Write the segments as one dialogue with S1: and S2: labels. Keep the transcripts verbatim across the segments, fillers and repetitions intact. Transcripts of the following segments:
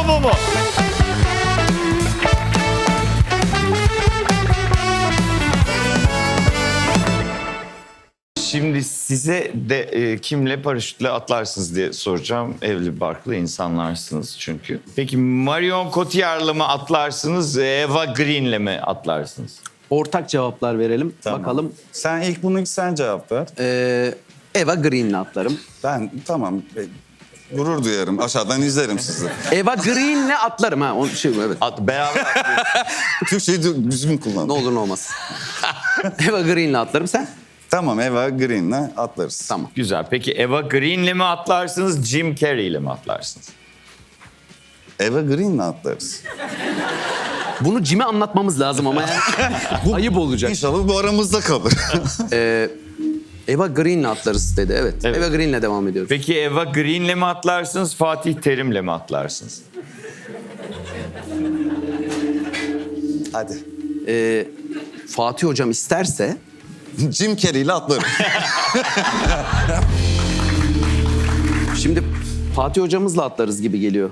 S1: bu mu? Şimdi size de e, kimle paraşütle atlarsınız diye soracağım. Evli barklı insanlarsınız çünkü. Peki Marion Cotillard'la mı atlarsınız, Eva Green'le mi atlarsınız?
S2: Ortak cevaplar verelim.
S3: Tamam.
S2: Bakalım.
S3: Sen ilk bunu sen cevap ver.
S2: Ee, Eva Green'le atlarım.
S3: Ben tamam. e, Gurur duyarım. Aşağıdan izlerim sizi.
S2: Eva Green'le atlarım ha. O şey evet.
S1: At, beraber atlıyoruz.
S3: Türkçeyi dü- düzgün kullan.
S2: Ne olur ne olmaz. Eva Green'le atlarım sen.
S3: Tamam, Eva Green'le atlarız.
S2: Tamam.
S1: Güzel. Peki Eva Green'le mi atlarsınız, Jim Carrey'le mi atlarsınız?
S3: Eva Green'le atlarız.
S2: Bunu Jim'e anlatmamız lazım ama yani. Ayıp olacak.
S3: İnşallah bu aramızda kalır.
S2: Ee, Eva Green'le atlarız dedi. Evet.
S1: Evet.
S2: Eva Green'le devam ediyoruz.
S1: Peki Eva Green'le mi atlarsınız, Fatih Terim'le mi atlarsınız?
S3: Hadi.
S2: Ee, Fatih hocam isterse
S3: Jim Carrey'le atlarım.
S2: şimdi Fatih hocamızla atlarız gibi geliyor.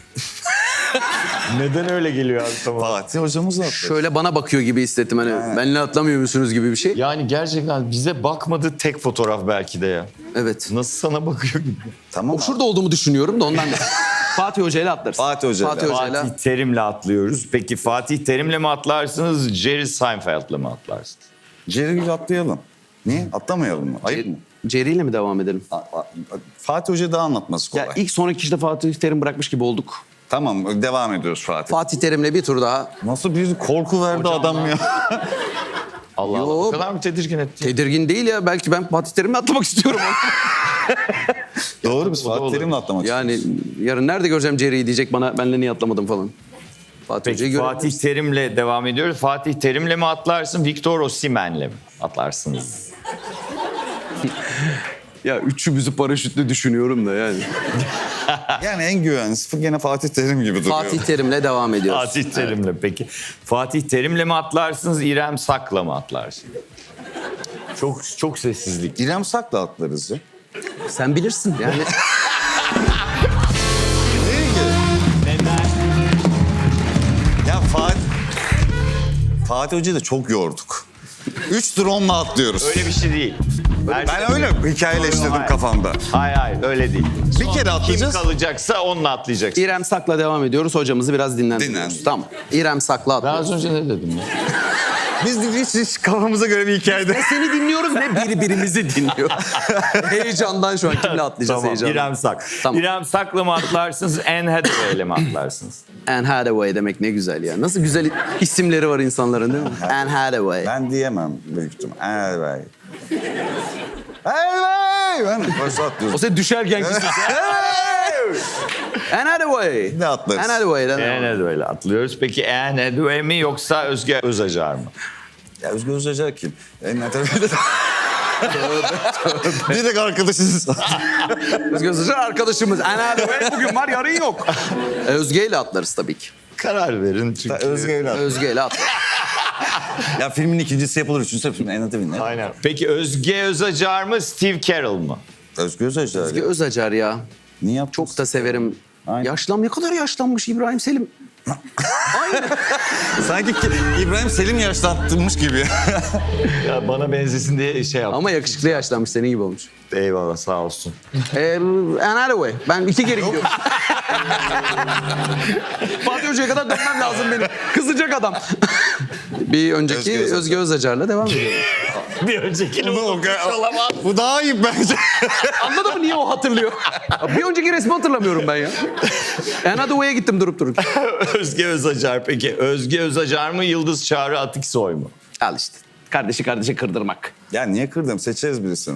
S1: Neden öyle geliyor abi tamam?
S3: Fatih hocamızla atlarız.
S2: Şöyle bana bakıyor gibi hissettim hani benimle atlamıyor musunuz gibi bir şey.
S1: Yani gerçekten bize bakmadığı tek fotoğraf belki de ya.
S2: Evet.
S1: Nasıl sana bakıyor gibi.
S3: Tamam.
S2: O şurada olduğumu düşünüyorum da ondan da. Fatih hocayla atlarız.
S3: Fatih Hoca'yla.
S2: Fatih hocayla.
S1: Fatih Terim'le atlıyoruz. Peki Fatih Terim'le mi atlarsınız, Jerry Seinfeld'le mi atlarsınız?
S3: Jerry'yle atlayalım. Niye? Atlamayalım mı? Ayıp mı?
S2: Jerry'yle mi devam edelim?
S3: A- a- Fatih Hoca daha anlatması kolay.
S2: Ya ilk sonraki işte Fatih Terim bırakmış gibi olduk.
S3: Tamam, devam ediyoruz Fatih.
S2: Fatih Terim'le bir tur daha.
S3: Nasıl bir korku verdi adam ya.
S1: Allah
S2: Yo.
S1: Allah. O kadar mı tedirgin etti?
S2: Tedirgin değil ya. Belki ben Fatih Terim'le atlamak istiyorum.
S3: Doğru, biz
S1: O da
S3: Fatih
S1: olur.
S3: Terim'le atlamak
S2: yani yarın nerede göreceğim Jerry'yi diyecek bana. Benle niye atlamadım falan. Fatih
S1: Peki
S2: Hoca'yı
S1: Fatih
S2: görebiliriz.
S1: Terim'le devam ediyoruz. Fatih Terim'le mi atlarsın, Victor Osimhen'le mi atlarsınız?
S2: Ya üçümüzü paraşütle düşünüyorum da yani.
S3: Yani en güvenlisi gene Fatih Terim gibi duruyor.
S2: Fatih Terim'le devam ediyoruz.
S1: Fatih Terim'le peki. Fatih Terim'le mi atlarsınız, İrem Sak'la mı atlarsınız? Çok çok sessizlik.
S3: İrem Sak'la atlarız ya.
S2: Sen bilirsin yani.
S3: Ya Fatih... Fatih Hoca'yı da çok yorduk. Üç drone'la atlıyoruz.
S1: Öyle bir şey değil. Her şey-
S3: Ben öyle hikayeleştirdim
S1: Hayır.
S3: kafamda.
S1: Hayır hayır öyle değil.
S3: Bir kere atlayacağız.
S1: Kim kalacaksa onunla atlayacaksın.
S2: İrem Sak'la devam ediyoruz. Hocamızı biraz dinlendiriyoruz.
S3: Dinlen.
S2: Tamam. İrem Sak'la
S1: Ben
S2: atlıyoruz.
S1: az önce ne dedim ya?
S3: Biz de hiç, hiç kafamıza göre bir hikayede.
S2: Ne seni dinliyoruz ne birbirimizi dinliyor. Heyecandan şu an kimle atlayacağız
S1: Tamam,
S2: heyecandan.
S1: İrem Sak.
S2: Tamam.
S1: İrem Sak'la mı atlarsınız, Anne Hathaway'le mi atlarsınız?
S2: Anne Hathaway demek ne güzel ya. Nasıl güzel isimleri var insanların değil mi? Anne Hathaway.
S3: Ben diyemem büyük ihtimal. Evet. Evet. Ben başta
S2: O
S3: atlıyoruz.
S2: sen düşerken gitsin. Anne Hathaway.
S3: Ne atlarız?
S2: Anne Hathaway'den.
S1: Anne Hathaway'le atlıyoruz. Peki Anne Hathaway mi yoksa Özge Özacar mı?
S3: Ya Özgür Özacar kim? En Tövbe tövbe. Direkt arkadaşız.
S2: Özge Özacar arkadaşımız. Anne Hathaway bugün var yarın yok. Özge ile atlarız tabii ki.
S1: Karar verin çünkü.
S3: Özge öyle.
S2: Özge ile atlarız.
S3: Ya filmin ikincisi yapılır, üçüncüsü yapılır. En Tövbe.
S1: Aynen. Peki Özge Özacar mı, Steve Carell mı?
S3: Özgür Özacar.
S2: Özge Özacar ya.
S3: Niye yaptın?
S2: Çok da severim.
S3: Aynen.
S2: Yaşlan ne kadar yaşlanmış İbrahim Selim.
S3: Sanki ki İbrahim Selim yaşlattırmış gibi.
S1: Ya bana benzesin diye şey yaptım.
S2: Ama yakışıklı yaşlanmış senin gibi olmuş.
S1: Eyvallah sağ olsun.
S2: Ee, Anne Hathaway. Ben iki geri gidiyorum. Fatih Hoca'ya kadar dönmem lazım benim. Kızacak adam. Bir önceki
S3: Özge Özacar.
S2: Özge Özacar'la devam ediyorum.
S1: Bir öncekini unutmuş olamaz.
S3: Bu daha iyi bence.
S2: Anladın mı niye o hatırlıyor? Bir önceki resmi hatırlamıyorum ben ya. Anne Hathaway'e gittim durup durup.
S1: Özge Özacar peki. Özge Özacar mı, Yıldız Çağrı Atiksoy mu?
S2: Al işte. Kardeşi kardeşe kırdırmak.
S3: Ya niye kırdım? Seçeriz birisini.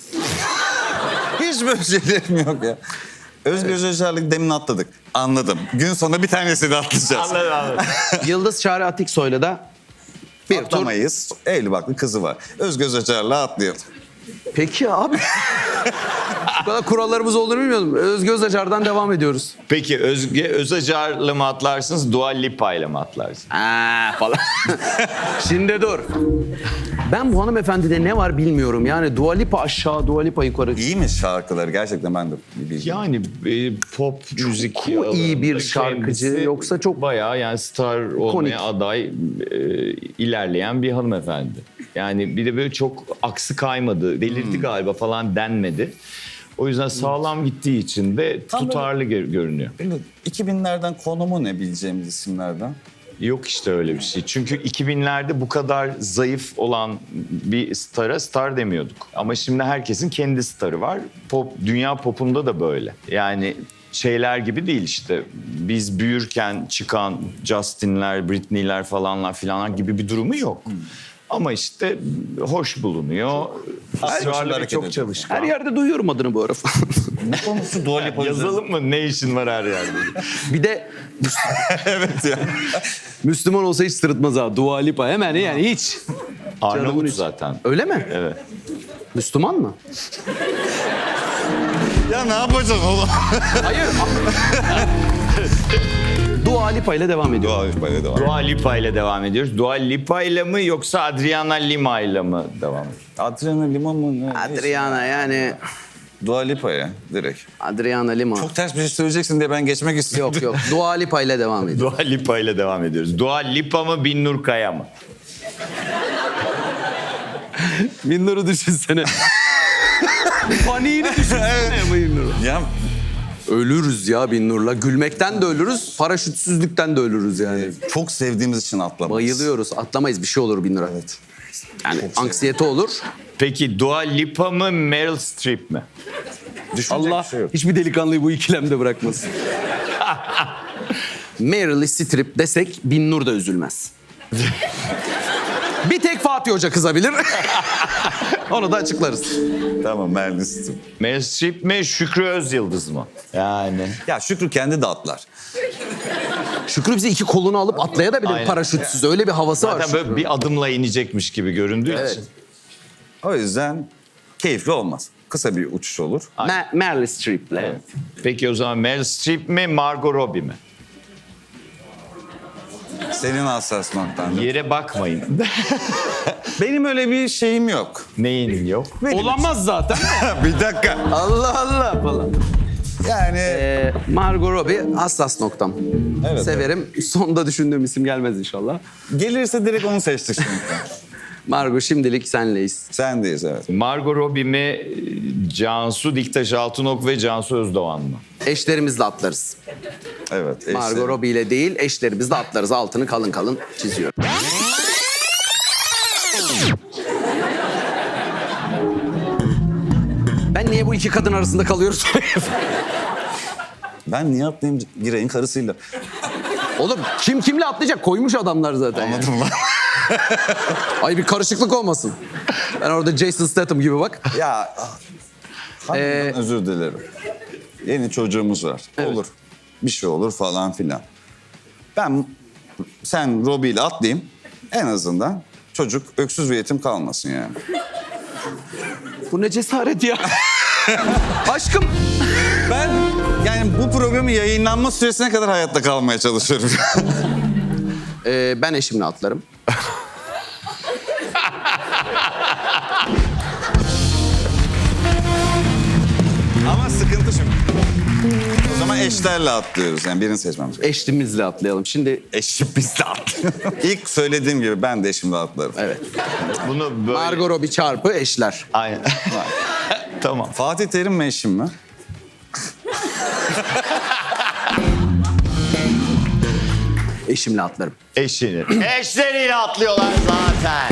S3: Hiç böyle şeylerim yok ya. Özgür Özacar'lık demin atladık. Anladım. Gün sonu bir tanesini atlayacağız.
S1: Anladım anladım.
S2: Yıldız Çağrı Atiksoy'la da bir tur.
S3: Atlamayız. Evli barklı kızı var. Özgür Özacar'la atlayalım.
S2: Peki abi. Bu kadar kurallarımız olduğunu bilmiyordum. Özge Özacar'dan devam ediyoruz.
S1: Peki Özge Özacar'la mı atlarsınız, Dua Lipa'yla mı atlarsınız?
S2: Aa, falan. Şimdi dur. Ben bu hanımefendide ne var bilmiyorum. Yani Dua Lipa aşağı, Dua Lipa yukarı.
S3: İyi mi şarkıları? Gerçekten ben de bilmiyorum.
S1: Yani e, pop müzik
S2: mu iyi bir
S1: alanında
S2: şarkıcı,
S1: kendisi
S2: yoksa çok
S1: bayağı yani star olmaya
S2: ikonik.
S1: aday e, ilerleyen bir hanımefendi. Yani bir de böyle çok aksı kaymadı, delirdi
S2: Hmm.
S1: galiba falan denmedi. O yüzden sağlam gittiği için de
S3: Tam
S1: tutarlı gö- görünüyor.
S3: Böyle iki binlerden konumu ne bileceğimiz isimlerden?
S1: Yok işte öyle bir şey. Çünkü iki binlerde bu kadar zayıf olan bir stara star demiyorduk. Ama şimdi herkesin kendi starı var. Pop, dünya popunda da böyle. Yani şeyler gibi değil işte. Biz büyürken çıkan Justin'ler, Britney'ler falanlar filanlar gibi bir durumu yok. Ama işte hoş bulunuyor. Israrlı ve
S3: hareket
S1: çok
S3: ediyor.
S1: çalışkan.
S2: Her yerde duyuyorum adını bu ara falan.
S3: Ne konusu Dua Lipa üzerine?
S1: Yazalım mı? Ne işin var her yerde?
S2: Bir de
S3: Evet ya.
S2: Müslüman olsa hiç sırıtmaz ha. Dua Lipa hemen yani hiç. Canımın
S1: Arnavut
S2: içi.
S1: zaten.
S2: Öyle mi?
S1: Evet.
S2: Müslüman mı?
S3: Ya ne yapacaksın oğlum?
S2: Hayır. Dua Lipa ile devam ediyor.
S3: Dua Lipa'ya devam.
S1: Dua Lipa ile devam ediyoruz. Dua Lipa ile mi yoksa Adriana Lima ile mi devam ediyoruz?
S3: Adriana Lima mı? Ne?
S2: Adriana yani.
S3: Dua Lipa'ya direkt.
S2: Adriana Lima.
S3: Çok ters bir şey söyleyeceksin diye ben geçmek istiyorum.
S2: Yok yok. Dua Lipa ile devam ediyor.
S1: Dua Lipa ile devam ediyoruz. Dua Lipa mı Binnur Kaya mı?
S2: Binnur'u düşünsene. Paniğini düşünsene Binnur'u.
S3: Ya
S2: Ölürüz ya Binnur'la. Gülmekten de ölürüz, paraşütsüzlükten de ölürüz yani.
S3: çok sevdiğimiz için atlamayız.
S2: Bayılıyoruz. Atlamayız, bir şey olur Binnur'a.
S3: Evet.
S2: Yani anksiyete olur.
S1: Peki Dua Lipa mı Meryl Streep mi?
S3: Düşünecek
S2: Allah
S3: bir şey yok.
S2: hiçbir delikanlıyı bu ikilemde bırakmasın. Meryl Streep desek Binnur da üzülmez. Bir tek Fatih Hoca kızabilir. Onu da açıklarız.
S3: Tamam Merlis'tim.
S1: Meryl Streep mi Şükrü Özyıldız mı? Yani.
S3: Ya Şükrü kendi de atlar.
S2: Şükrü bizi iki kolunu alıp atlayabilir
S1: Aynen.
S2: paraşütsüz. Öyle bir havası var
S1: Zaten
S2: Şükrü.
S1: böyle bir adımla inecekmiş gibi göründüğü
S2: Evet.
S1: için.
S3: O yüzden keyifli olmaz. Kısa bir uçuş olur.
S2: Me- Meryl Streep'le.
S1: Evet. Peki o zaman Meryl Streep mi Margot Robbie mi?
S3: Senin hassas noktan.
S1: Yere bakmayın.
S3: Benim öyle bir şeyim yok.
S1: Neyin yok?
S2: Olamaz zaten.
S3: Bir dakika.
S2: Allah Allah falan.
S3: Yani
S2: Ee, Margot Robbie hassas noktam.
S3: Evet,
S2: Severim. Sonda düşündüğüm isim gelmez inşallah.
S3: gelirse direkt onu seçtik şimdi.
S2: Margot şimdilik senleyiz.
S3: Sendeyiz evet.
S1: Margot Robbie mi Cansu Diktaş Altınok ve Cansu Özdoğan mı?
S2: Eşlerimizle atlarız.
S3: Evet. eşlerim.
S2: Margot Robbie ile değil, eşlerimizle atlarız. Altını kalın kalın çiziyorum. Ben niye bu iki kadın arasında kalıyoruz?
S3: Ben niye atlayayım Giray'ın karısıyla?
S2: Oğlum kim kimle atlayacak? Koymuş adamlar zaten. ya.
S3: Anladın mı?
S2: Ay bir karışıklık olmasın. Ben orada Jason Statham gibi bak.
S3: Ya harbiden
S2: Ee,
S3: özür dilerim. Yeni çocuğumuz var. Olur. Bir şey olur falan filan. Ben sen Robbie ile atlayayım. En azından çocuk öksüz ve yetim kalmasın yani.
S2: Bu ne cesaret ya. Aşkım.
S3: Ben yani bu programın yayınlanma süresine kadar hayatta kalmaya çalışıyorum.
S2: Ee, ben eşimle atlarım.
S3: Ama sıkıntı şu. O zaman eşlerle atlıyoruz. Yani birini seçmemiz gerekiyor.
S2: Eşlimizle atlayalım. Şimdi
S3: Eşim bizle atlıyor. İlk söylediğim gibi ben de eşimle atlarım.
S2: evet.
S1: Bunu böyle...
S2: Margot Robbie çarpı eşler.
S1: Aynen. Tamam.
S3: Fatih Terim mi eşim mi?
S2: Eşimle atlarım.
S1: Eşini. Eşleriyle atlıyorlar zaten.